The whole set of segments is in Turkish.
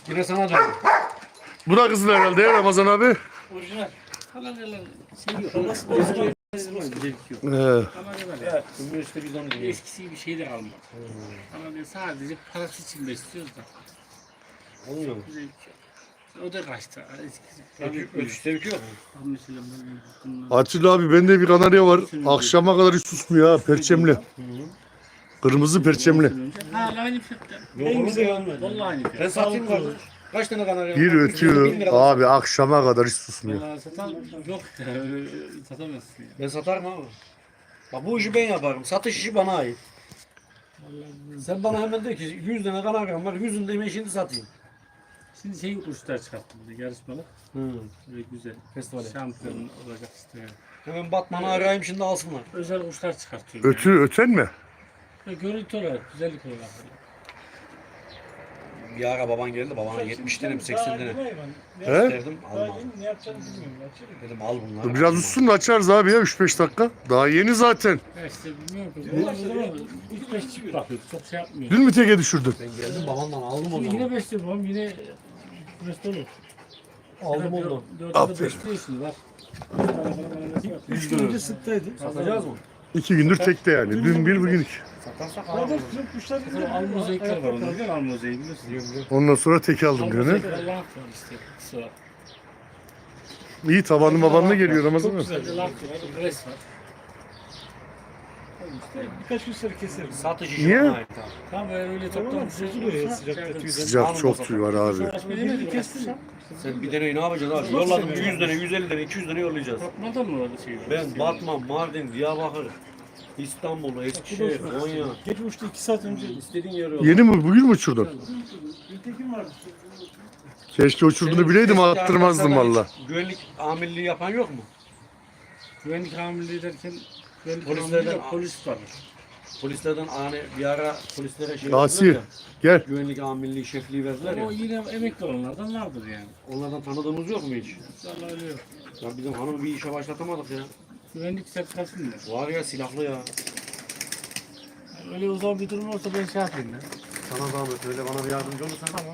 Yine sana canım. Bu da kızıl herhalde ya Ramazan abi. Orijinal. Kanaryalar şey yok. Nasıl eski yok. Kanaryalar ya. Evet. Bugün işte biz onu diyoruz. Eskisi bir şey de kalmadı. Kanarya sadece parası için besliyoruz da. Olmuyor mu? Zevk yok. O da kaçtı. Eskisi. Ötüş zevki yok. Mesela bunlar. Atilla abi bende bir kanarya var. Akşama kadar hiç susmuyor ha. Perçemli. Kırmızı perçemli. Hala aynı fiyatta. En güzel. Vallahi aynı Ben fiyatta. satayım kardeş. Kaç tane kanarya? Bir var? ötüyor. 1000 lira. Abi akşama kadar hiç susmuyor. Vallahi satan yok. Öyle satamazsın ya. Ben satarım abi. Bak bu işi ben yaparım. Satış işi bana ait. Sen bana hemen de ki 100 tane kanaryam var. 100'ünü de hemen şimdi satayım. Şimdi şey kuşlar çıkarttım bir de yarışmalı. Böyle güzel. Festivale. Şampiyon olacak işte yani. Hemen Batman'ı arayayım şimdi alsınlar. Özel kuşlar çıkartıyorum. Öten mi? Yani. Görüntü olarak, güzellik olarak. Bir ara baban geldi. Babana 70 tane mi 80 tane. He? Dedim alma. Ne yapacağını bilmiyorum. Açayım. Dedim al bunları. Biraz ussun da açarız abi ya 3-5 dakika. Daha yeni zaten. Ya işte bilmiyorum ki. Bu zaman 3-5 çift bakıyoruz. Çok şey yapmıyor. Dün mü teke düşürdün? Ben geldim babamdan aldım Şimdi onu. yine besliyorum babam yine best olur. Aldım onu. Dörtte besliyorsun bak. 3 gün önce sıktaydı. Satacağız mı? 2 gündür tekte yani. Dün bir bugün iki. Satarsak Zaten alalım. bizim kuşlar Sonra almozaikler var onda değil mi? Almozaiği biliyorsun. Ondan sonra teke aldım gene. Almozaik Allah var işte. Sıra. İyi tabanlı mabanlı geliyor Ramazan abi. Sadece laf var. Gres var. birkaç gün sonra keseriz. Satış işi Niye? bana ait abi. Tam öyle Tamam, toplam bozuluyor ya sıcakta tüyden. Sıcak çok tüy var abi. Birini kestim. Sen bir deneyi ne yapacaksın abi? Yolladım 100 tane, 150 tane, 200 tane yollayacağız. Bakmadan mı orada şey? Ben Batman, Mardin, Diyarbakır, İstanbul, Eskişehir, Konya. Geç uçtu 2 saat önce. İstediğin yere yolla. Yeni mi? Bugün mü uçurdun? Gültekin vardı. Keşke uçurduğunu bileydim attırmazdım valla. Güvenlik amirliği yapan yok mu? Güvenlik amirliği derken güvenlik Polislerden- amirliği yok, polis var. Polislerden hani bir ara polislere şey Asi verdiler ya, gel. güvenlik amirliği şefliği verdiler ya. O yine emekli olanlardan vardır yani. Onlardan tanıdığımız yok mu hiç? Vallahi öyle yok. Ya bizim hanımı bir işe başlatamadık ya. Güvenlik sertifikası mı? Var ya silahlı ya. Öyle uzun bir durum olsa ben şey yapayım ya. Sana zahmet öyle bana bir yardımcı olursan. Tamam.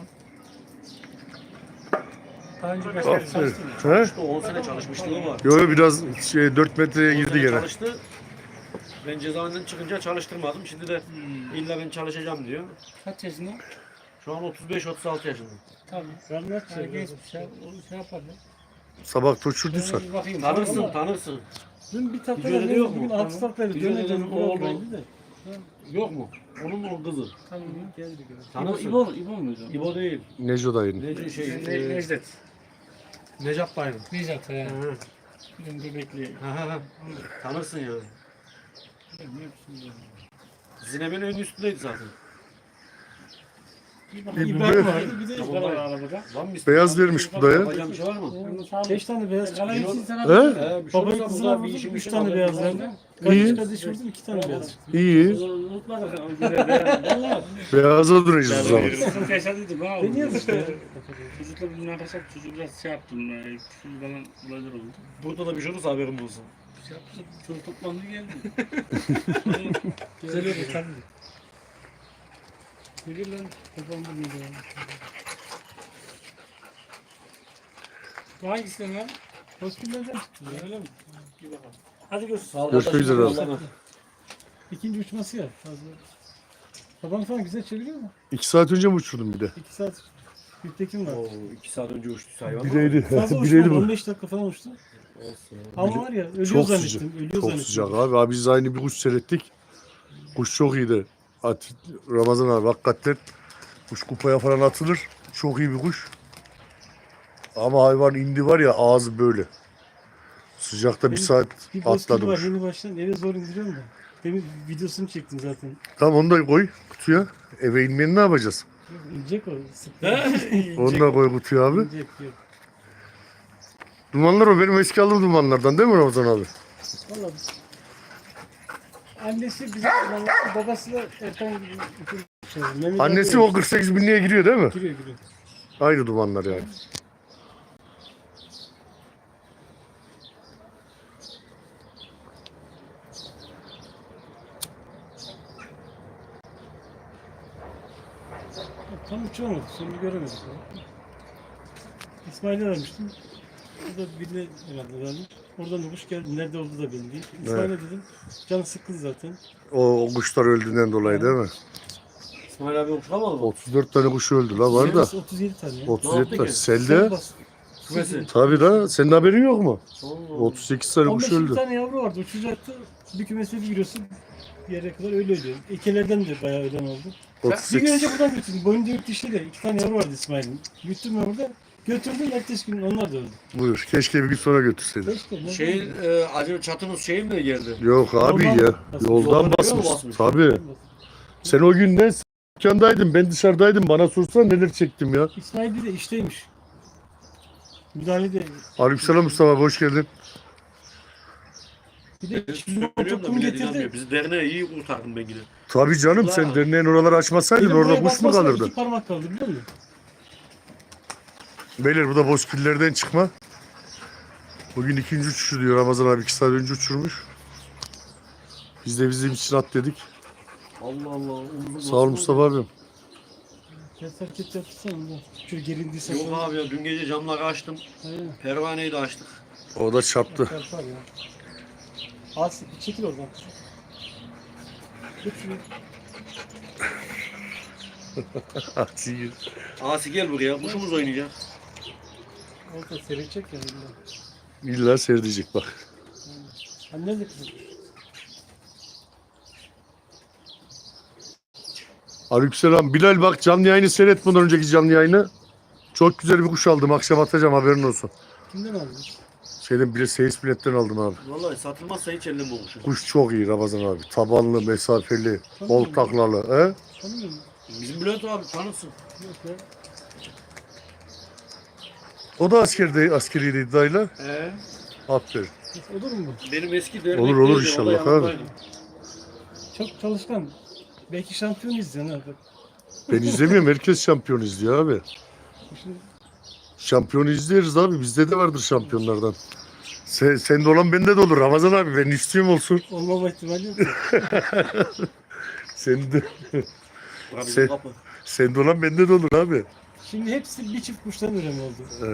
Daha önce başka bir Aferin. çalıştım. He? İşte 10 sene çalışmışlığı var. Yo biraz 4 metreye 10 girdi sene gene. Çalıştı. Ben cezaevinden çıkınca çalıştırmadım. Şimdi de illa ben çalışacağım diyor. Kaç yaşında? Şu an 35-36 yaşında. Tamam. Vermez Yani genç bir şey, o şey yapar ya. Sabah uçurduysan. Ben bir bakayım. Tanırsın, tanırsın. Dün bir tatlı Videoda yok mu? bugün 6 tatlı Videoda döneceğim. o oldu. Oldu de. Yok mu? Onun mu kızı? Tamam. Geldi. Tanırsın. İbo muydu? İbo değil. Neco dayının. Necdet. Necap dayının. Necdet ya. Hı. Bizim bebekli. hı. Tanırsın yani. Zinebe'nin ön üstündeydi zaten. İbrahim vardı bir de Var arabada. Var mı bir Beyaz vermiş bu da ya. Yapacağım bir şey var mı? 5 tane beyaz çıktı. Kalan için sana He? Bir şey Babayı olursa kızına burada vurdum, bir işim 3 işim tane haberim beyaz var. verdim. İyi. Kardeş vurdum 2 tane beyaz çıktı. İyi. unutmadık. Valla. Beyaza duracağız o zaman. Sıkıntı yaşadıydım ha. Deniyoruz işte. Çocukla bir münakaşa çocuğu biraz şey yaptım. Küfür falan olaylar oldu. Burada da bir şey olursa haberim olsun. Bir şey yaptım. Çocuk toplandı geldi. Güzel oldu tabii. Ne gel lan? Toplandı mıydı ya? Bu hangisi lan? Hospital'den çıktı. Öyle mi? Bir bakalım. Hadi görüşürüz. Sağ ol Görüşmek kardeşim, üzere abi. yollama. İkinci uçması ya fazla. Tabanı falan güzel çeviriyor mu? 2 saat önce mi uçurdun bir de? 2 saat. Gültekin var. Oo, 2 saat önce uçtu hayvan. Bireydi. Fazla Bireydi uçmadı. bu. 15 dakika falan uçtu. Olsun. Ama var ya ölüyor Çok zannettim. sıcak. Ölüyor Çok zannettim. sıcak abi. Abi biz aynı bir kuş seyrettik. Kuş çok iyiydi. Ramazan abi hakikaten kuş kupaya falan atılır. Çok iyi bir kuş. Ama hayvan indi var ya ağzı böyle. Sıcakta bir Benim saat Bir bozkırı atladı var kuş. yeni baştan eve zor indiriyorum da. Demin videosunu çektim zaten. Tamam onu da koy kutuya. Eve inmeyeni ne yapacağız? İnecek o. Sık. Onu da koy kutuya abi. İnecek yok. Dumanlar o benim eski aldığım dumanlardan değil mi Ramazan abi? Valla annesi bizim babası da Erkan gibi. Annesi o 48 binliğe giriyor değil mi? Giriyor. Aynı dumanlar yani. Tam uçamadık. Sonunu göremedik. İsmail'e vermiştim. O da birine herhalde vermiş. Oradan da kuş geldi. Nerede olduğu da belli değil. İsmail'e dedim. Canı sıkkın zaten. O kuşlar öldüğünden dolayı değil mi? İsmail abi uçamadı mı? 34 tane kuş öldü la var da. 37 tane. Ya. 37 tane. ki? Selde. Kümesi. Tabii da senin haberin yok mu? Allah. 38 tane kuş 15 öldü. tane yavru vardı. Uçacaktı. Bir kümese bir giriyorsun. Bir yere kadar öyle ölüyor. Ekelerden de bayağı ölen oldu. Bir gün 38. önce buradan götürdüm. Boyunda yurt dişli de 2 tane yavru vardı İsmail'in. Büyüttüm ben burada. Götürdüm. Ertesi gün onlar da öldü. Buyur. Keşke bir gün sonra götürseydin. Keşke. ne Şey, bileyim. acaba çatınız şey mi geldi? Yok abi Yoldan ya. basmış. Yoldan Yoldan basmış. basmış. Tabii. Sen o gün ne dükkandaydın, ben dışarıdaydım. Bana sorsan neler çektim ya. İsmail bir de işteymiş. Müdahale de. Aleykümselam Mustafa abi, hoş geldin. Bir de Biliyorum da kum millet getirdi. inanmıyor. Bizi derneğe iyi kurtardın ben yine. Tabii canım, sen Ulan. derneğin oraları açmasaydın Benim orada buraya kuş mu basmasına kalırdı? 2 parmak kaldı biliyor musun? Beyler bu da bozkillerden çıkma. Bugün ikinci uçuşu diyor, Ramazan abi 2 saat önce uçurmuş. Biz de bizim için at dedik. Allah Allah. Sağ ol Mustafa abim. Kes hareket yapsana ondan. Şöyle gerildiyse. Yok abi ya, dün gece camları açtım. Aynen. Pervaneyi de açtık. O da çarptı. Çarpar ya. Az çekil oradan. Tut şunu. Asi gel buraya. Kuşumuz oynayacak. Orada seyredecek ya. Bilmem. İlla seyredecek bak. Hani nerede kızım? Aleykümselam. Bilal bak, canlı yayını seyret, bundan önceki canlı yayını. Çok güzel bir kuş aldım. Akşam atacağım, haberin olsun. Kimden aldın? Şeyden bile seyis biletten aldım abi. Vallahi satılmazsa hiç ellem olmuşum. Kuş çok iyi Ramazan abi. Tabanlı, mesafeli, bol Tanımıyorum. taklalı. He? Tanımıyor musun? Bizim Bülent abi tanırsın. Yok ya. O da askeriydi iddiayla. Aferin. Olur mu bu? Benim eski dernek Olur, olur neydi? O da inşallah yanımdaydı. abi. Çok çalışkan. Belki şampiyon izleyen abi. Ben izlemiyorum. Herkes şampiyon izliyor abi. Şimdi Şampiyonu izleriz abi. Bizde de vardır şampiyonlardan. Sende olan bende de olur Ramazan abi. Ben istiyorum olsun. olmama ihtimali yok. Sende, Bura bizim Sen- kapı. sende olan bende de olur abi. Şimdi hepsi bir çift kuştan üreme oldu.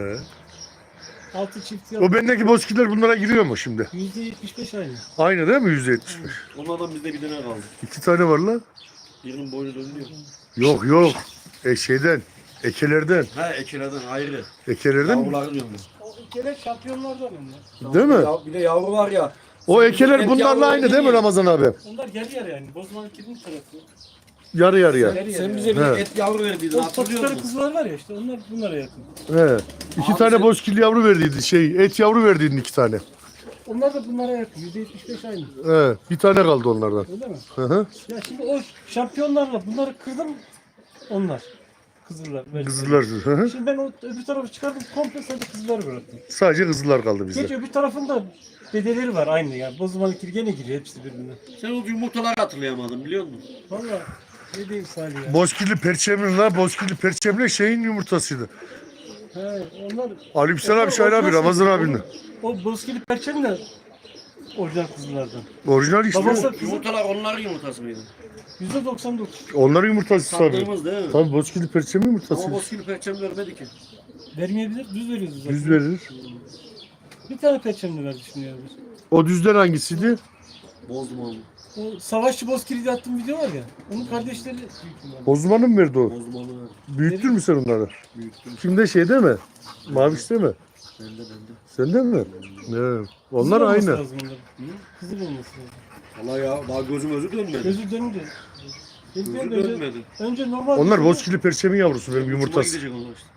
6 çift O yap. bendeki bozkiller bunlara giriyor mu şimdi? %75 aynı. Aynı değil mi? %75. Onlardan bizde bir tane kaldı. 2 tane var lan. Birinin boynu dönüyor. Yok yok. Şeyden. Ekelerden. Ha ekilerden ayrı. Ekelerden mi? Yavruları diyorum ben. O kere şampiyonlardan onlar. Değil mi? Bir de yavru var ya. O ekeler Et bunlarla yavruları aynı değil mi değil. Ramazan abi? Onlar yarı yarı yani. Bozmanın kimin tarafı? Yarı yarıya. Sen bize bir He. et yavru verdiydin O hatırlıyor topukları musun? kızlar var ya işte onlar bunlara yakın. He. 2 Abi tane sen- bozkil yavru verdiydi. Et yavru verdiydin 2 tane. Onlar da bunlara yakın. %75 aynı. He. Bir tane kaldı onlardan. Öyle mi? Hı hı. Ya şimdi o şampiyonlarla bunları kırdım. Onlar. Kızıllar. Kızıllar. Hı hı. Şimdi ben o öbür tarafı çıkardım. Komple sadece kızılları bıraktım. Sadece kızıllar kaldı Geç bizde. öbür tarafında dedeleri var aynı yani. Bozmanın gene giriyor hepsi birbirine. Sen o yumurtaları hatırlayamadın biliyor musun? Valla ne diyeyim Salih ya. Bozkirli perçemli la. Bozkirli perçemli şeyin yumurtasıydı. He, onlar Aleykümselam abi, Şahin abi, Ramazan abinin. o bozkili perçem de orijinal kızıllardan. Orijinal işte. Babası Yumurtalar onların yumurtası mıydı? %99. Onların yumurtası tabii. Sattığımız değil mi? Tabii bozkirli perçemli Ama yumurtası. bozkili perçem vermedi ki. Vermeyebilir, düz veriyoruz zaten. Düz verir. Bir tane perçemli verdi şimdi ya. O düzden hangisiydi? Bozdum onu. O savaşçı bozkili diye attığım video var ya. Onun kardeşleri büyük ihtimalle. Bozmanın mı verdi o? Bozdum onu verdim. Büyüttün mü sen onları? Büyüttüm. Kimde, şeyde mi? Mavişte mi? Bende. Sende mi? Evet. Onlar Kızıl olması aynı. lazım onların. Kızıl olması lazım. Valla ya daha gözüm özü dönmedi. Gözü dönünce. Gözü Önce, dönmedi. önce normal. Onlar bozkirli perçemin yavrusu, benim Hoşuma yumurtası. gidecek onlar işte.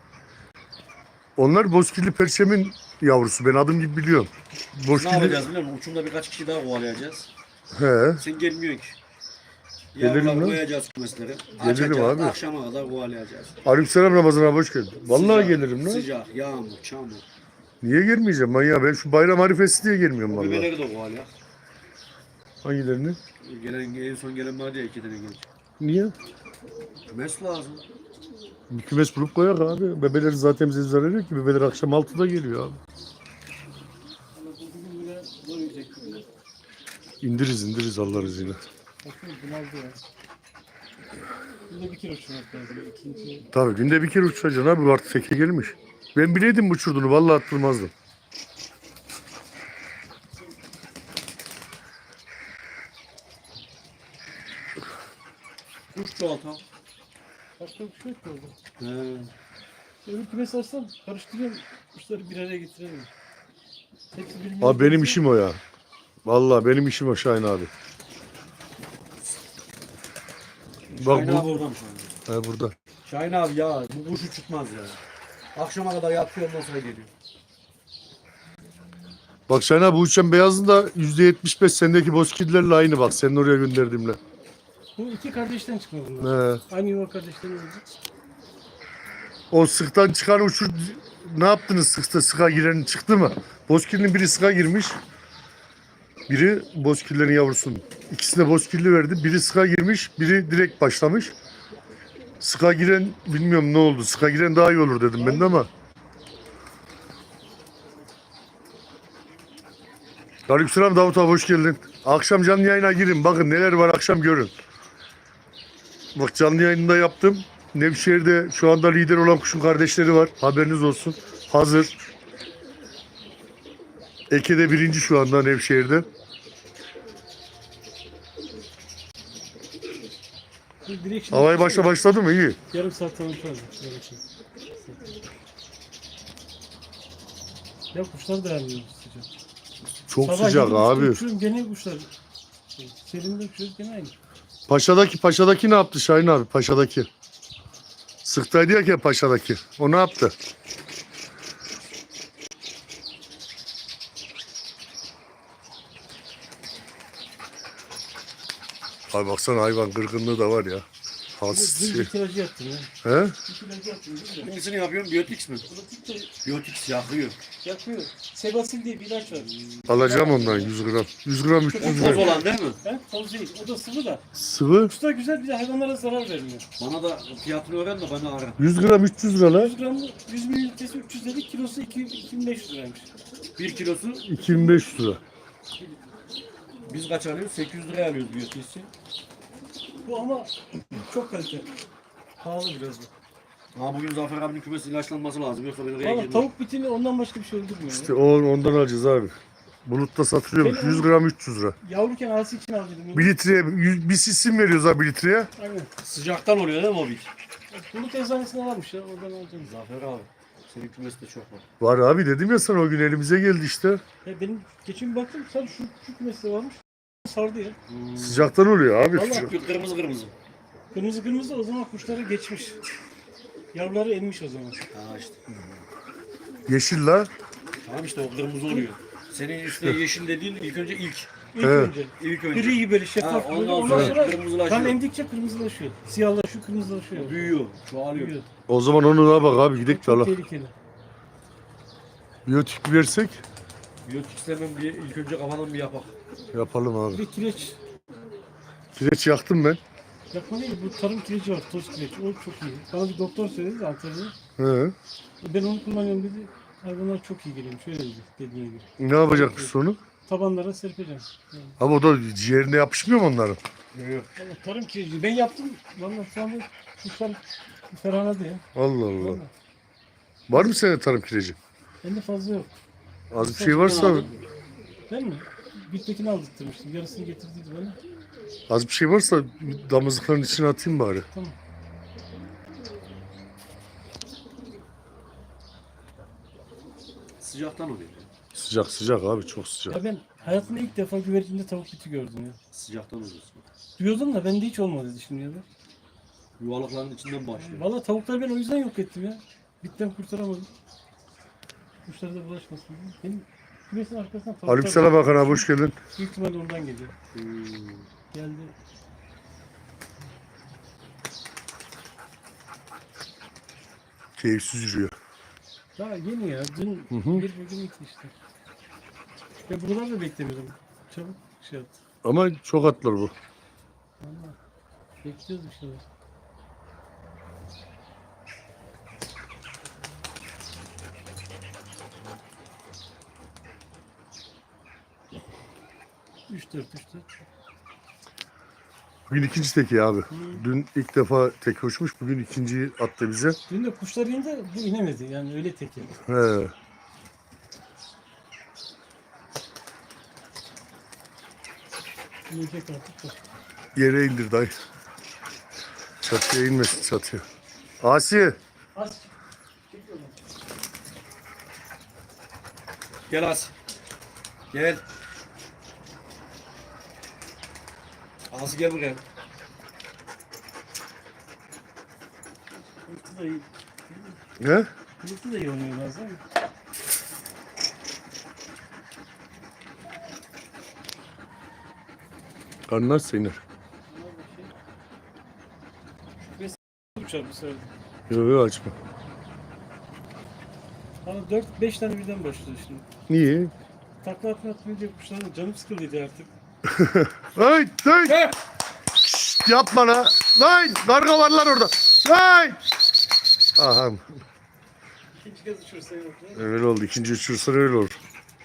Onlar bozkirli perçemin yavrusu. Ben adım gibi biliyorum. Ne Bozkirli... yapacağız biliyor musun? Uçumda birkaç kişi daha kovalayacağız. He. Sen gelmiyorsun ki. Gelirim Yavruları lan. koyacağız kümeslere. Gelirim Açacağız. abi. Akşama kadar kovalayacağız. Aleykümselam Ramazan abi, hoş geldin. Vallahi Sıcak, gelirim lan. Sıcak, yağmur, çamur. Niye gelmeyeceğim manyak? Ben şu bayram harifesi diye gelmiyorum vallahi. Bebeleri de kovalıyor. Hangilerini? En son gelen var ya 2 tane gelecek. Niye? Kümes lazım. Bir kümes bulup koyak abi. Bebeleri zaten bize zarar yok ki. Bebeler akşam 6'da geliyor abi. İndiririz Allah izniyle. Bakın bunaldı ya. Burada bir kere uçurmak lazım. İkinci. Tabii günde bir kere uçacaksın abi. Artık teke gelmiş. Ben bileydim uçurduğunu. Vallahi attırmazdım. Kuş çoğaltam. Başka bir şey yok ki orada. He. Öbür kümes açsam karıştırıyorum. Kuşları bir araya getirelim. Hepsi birbirine Abi benim benziyor. işim o ya. Vallahi benim işim o Şahin abi. Bak Şahin bu. abi oradan şu anda. He burada. Şahin abi ya bu kuş uçutmaz ya. Akşama kadar yatıyor ondan sonra geliyor. Bak Şahin abi bu uçan beyazın da %75 sendeki bozkirlerle aynı bak. Senin oraya gönderdiğimle. Bu iki kardeşten çıkma bunlar. He. Aynı yuva kardeşten oldu. O sıktan çıkan uçur ne yaptınız sıkta sıka giren çıktı mı? Bozkir'in biri sıka girmiş. Biri bozkirlerin yavrusunun. İkisine bozkirli verdi. Biri sıka girmiş, biri direkt başlamış. Sıka giren bilmiyorum ne oldu. Sıka giren daha iyi olur dedim ben de ama. Aleykümselam Davut abi hoş geldin. Akşam canlı yayına girin. Bakın neler var akşam görün. Bak canlı yayında yaptım. Nevşehir'de şu anda lider olan kuşun kardeşleri var. Haberiniz olsun. Hazır. Eke'de birinci şu anda Nevşehir'de. Direkt şimdi Havaya başladı mı? İyi. yarım saat sonra lazım. Yarım saat. Ya kuşlar da yanmıyor sıcak. Çok Sabah sıcak 7.30'da abi. uçuyorum gene kuşlar. Serinde uçuyoruz gene aynı. Paşa'daki ne yaptı Şahin abi? Paşa'daki. Sıktaydı ya Paşa'daki. O ne yaptı? Ay baksana hayvan kırgınlığı da var ya. Dün Has bir tirajı yaptım ya. He? Bir tirajı yaptım değil mi? Hangisini yapıyorum? Biyotix mi? Pratik de Biyotix yakıyor. yapıyor. Sebasil diye bir ilaç var. Alacağım ondan 100 gram. 100 gram 300 Toz gram. olan değil mi? He? Toz değil. O da sıvı da. Sıvı. Kuşlar güzel bir de hayvanlara zarar vermiyor. Bana da fiyatını öğren de bana ara. 100 gram 300 lira lan. 100 gramı 100 mililitresi 300 dedik. Kilosu 2500 liraymış. 1 kilosu 2500 lira. biz kaç alıyoruz? 800 liraya alıyoruz biyotix'i. Bu ama çok kalite. Pahalı biraz bu. Ama bugün Zafer abinin kümesi ilaçlanması lazım. Yoksa ben oraya Valla girmem. tavuk bitini ondan başka bir şey öldürmüyor. İşte ondan alacağız abi. Bulutta satılıyormuş. 100 gram 300 lira. Yavruken ağası için aldıydım. 1 litreye bir sisim veriyoruz abi 1 litreye. Aynen. Sıcaktan oluyor değil mi o bit? Bulut eczanesinden almış ya. Oradan alacağım. Zafer abi. Senin kümesi de çok var. Var abi dedim ya sana o gün elimize geldi işte. Ya benim geçen bir baktım sadece şu kümeste varmış. Sardı ya. Sıcaktan oluyor abi. Vallahi Sıcak. Kırmızı kırmızı. Kırmızı kırmızı o zaman kuşları geçmiş. Yavruları emmiş o zaman. Ha işte. Yeşil la. Tamam işte o kırmızı oluyor. Senin işte yeşil dediğin ilk önce ilk. İlk Evet. önce. İlk önce. Gri gibi böyle Ha, şeffaf böyle. ondan Ondan sonra sonra kırmızılaşıyor. kan emdikçe kırmızılaşıyor. Siyahlaşıyor, kırmızılaşıyor. Büyüyor. Çoğalıyor. Büyüyor. O zaman onu da bak abi gidelim de Çok Allah. tehlikeli. Biyotik versek Biyotix'lemem bir ilk önce kafadan bir yapak. yapalım abi. Bir de kireç. Kireç yaktım ben. Yapma değil, bu tarım kireci var, toz kireç. O çok iyi. Bana bir doktor söyledi de Antalya'da. He. Ben onu kullanıyorum dedi. Hayvanlar çok iyi geliyor. Şöyle dedi, dediğine gibi. Ne yapacakmış sonu? Tabanlara serpeceğim. Yani. Abi o da ciğerine yapışmıyor mu onların? Yok. Vallahi tarım kireci. Ben yaptım. Vallahi şu anda kuşlar ferahladı ya. Allah Allah. Vallahi. Var mı senin tarım kireci? Bende fazla yok. Az bir şey varsa Ben mi? Gültekin'i aldırtmıştım. Yarısını getirdiydi bana. az bir şey varsa damızlıkların içine atayım bari. Tamam. Sıcaktan oluyor. Sıcak sıcak abi çok sıcak. Ya ben hayatımda ilk defa güvercinde tavuk biti gördüm ya. Sıcaktan oluyor. Duyuyordum da bende hiç olmadı şimdiye kadar. Yuvalıkların içinden başlıyor. Valla tavukları ben o yüzden yok ettim ya. Bitten kurtaramadım. Kuşlara da bulaşmasın diye. Benim kümesin arkasından tavuklar... Aleykümselam Hakan abi hoş geldin. Büyük ihtimalle ondan geliyor. Geldi. Keyifsiz yürüyor. Daha yeni ya. Dün hı. bir bugün iki işte. Ya buraları da beklemiyordum. Çabuk şey yaptı. Ama çok atlar bu. Valla. Bekliyoruz bir şeyler. Üç dört. Bugün ikinci teki abi. Dün ilk defa tek uçmuş. Bugün ikinciyi attı bize. Dün de kuşlar indi, bu inemedi. Yani öyle tek yedi. He. İnecek artık da. Yere indir dayı. Çatıya inmesin çatıya. Asi. Az çekiyorum. Gel As. Gel. As gel buraya. Kılıçlı da iyi. Ne? Kılıçlı da iyi oynuyor bazen. Karnın açsa iner. Uçar bu sefer. Yok yok açma. Bana 4-5 tane birden başladı şimdi. Niye? Takla atmayınca kuşların canım sıkıldıydı artık. Hey! Hey! Şşt, yapma la. Lan! Karga var lan orada. Lan! Aha. İkinci kez uçursa yok. Öyle oldu. İkinci uçursan öyle olur.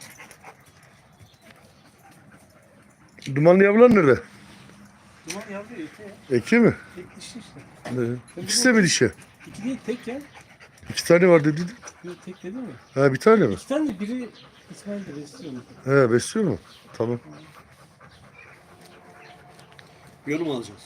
Dumanlı yavrular nerede? Duman yavru eti ya. Eki mi? Tek dişi işte. Ne? İkisi de mi dişi? İki değil tek ya. 2 tane var dedin. Yok tek dedi mi? Ha bir tane mi? İki tane biri İsmail de besliyor mu? He besliyor mu? Tamam. Yorum alacağız.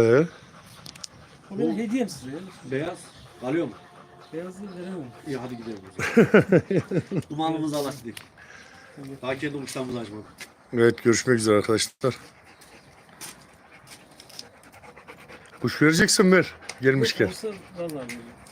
O benim hediyem size ya. Beyaz. Alıyor mu? Beyazı veremem. İyi hadi gidelim o zaman. Dumanımızı alak gidelim. Daha kendi uçlarımızı açmadık. Evet görüşmek üzere arkadaşlar. Kuş vereceksin ver. Gelmişken. Olsa vallahi veririm.